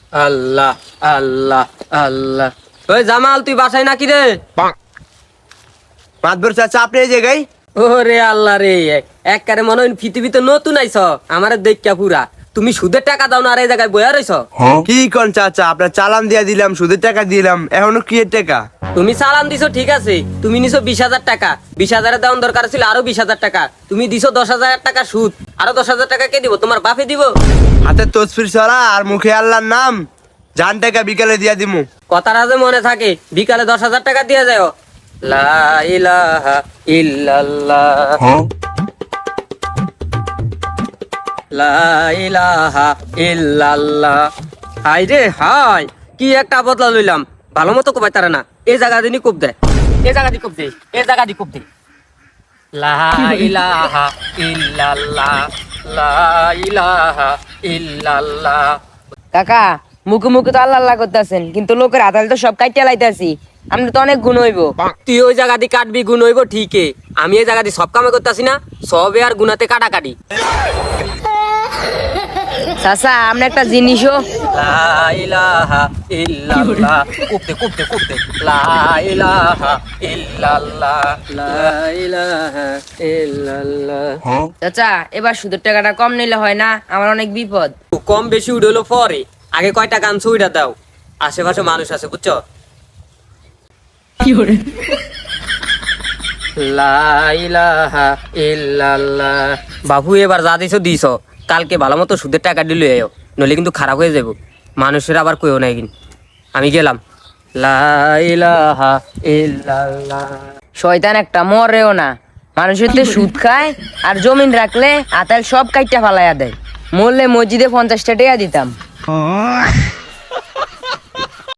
আল্লাহ আল্লাহ আল্লাহ। ওই জামাল, তুই বাসায় নাকি রে? মাতবর চাচা আপনি এই জায়গায়? ওরে আল্লাহ রে, একবারে মনে হয় পৃথিবীতে নতুন আইছ। আমার দেখা পুরা তুমি সুদের টাকা দাও না আর এই জায়গায় বইয়া রইছ। কি কোন চাচা, আপনার চালান দিয়া দিলাম, সুদের টাকা দিলাম, এখনো কি এর টাকা? তুমি চালান দিছো ঠিক আছে, তুমি নিছো 20,000 টাকা, 20,000 দেওয়ার দরকার ছিল আরো 20,000 টাকা, তুমি দিছো 10,000 টাকা সুদ, আরো 10,000 টাকা কে দিব? তোমার বাপে দিব? হাতে তসফির ছড়া আর মুখে আল্লাহর নাম, জান টাকা বিকালে দিয়া দিমু। কথাটা যে মনে থাকে, বিকালে 10,000 টাকা দিয়ে যাও। লা ইলাহা ইল্লাল্লাহ, লা ইলাহা ইল্লাল্লাহ। হাই রে হাই, কি একটা বদলা লইলাম, ভালো মতো কোপাই তারা না। এই জায়গা দিনই কোপ দেয়, এই জায়গা দি কোপ দে, এই জায়গা দি কোপ দে। লা ইলাহা ইল্লাল্লাহ, লা ইলাহা ইল্লাল্লাহ। কাকা, মুখে মুখে তো আল্লাহ আল্লাহ করতেছেন, কিন্তু লোকের হাতালে তো সব কাইটা লাইতাছি। আমরা তো অনেক গুণ হইব। তুই ওই জায়গা দিয়ে কাটবি, গুণ হইব ঠিকই। আমি এই জায়গা দিয়ে সব কামে করতেছি না, সবে আর গুনাতে কাটাকাটি। চাচা, আমরা একটা জিনিসও লা ইলাহা ইল্লাল্লাহ, কুপতে কুপতে কুপতে, লা ইলাহা ইল্লাল্লাহ, লা ইলাহা ইল্লাল্লাহ। চাচা, এবার সুদের টাকাটা কম নিলে হয় না? আমার অনেক বিপদ। কম বেশি উঠলো পরে, আগে কয় টাকা আনছো ওইটা দাও। আশেপাশে মানুষ আছে বুঝছো। লা ইলাহা ইল্লাল্লাহ। বাবু, এবার যা দিছো দিছো, কালকে ভালো মতো সুদের টাকা দিলে এও, নইলে কিন্তু খারাপ হয়ে যাবো। মানুষের আবার কইও নাই কিন্তু। আমি গেলাম। লা ইলাহা ইল্লাল্লাহ। শয়তান একটা, মরেও না। মানুষের তো সুদ খায় আর জমিন রাখলে আতাল সব কাইটা ফালাইয়া দেয়। মরলে মসজিদে 50টা টাকা দিতাম।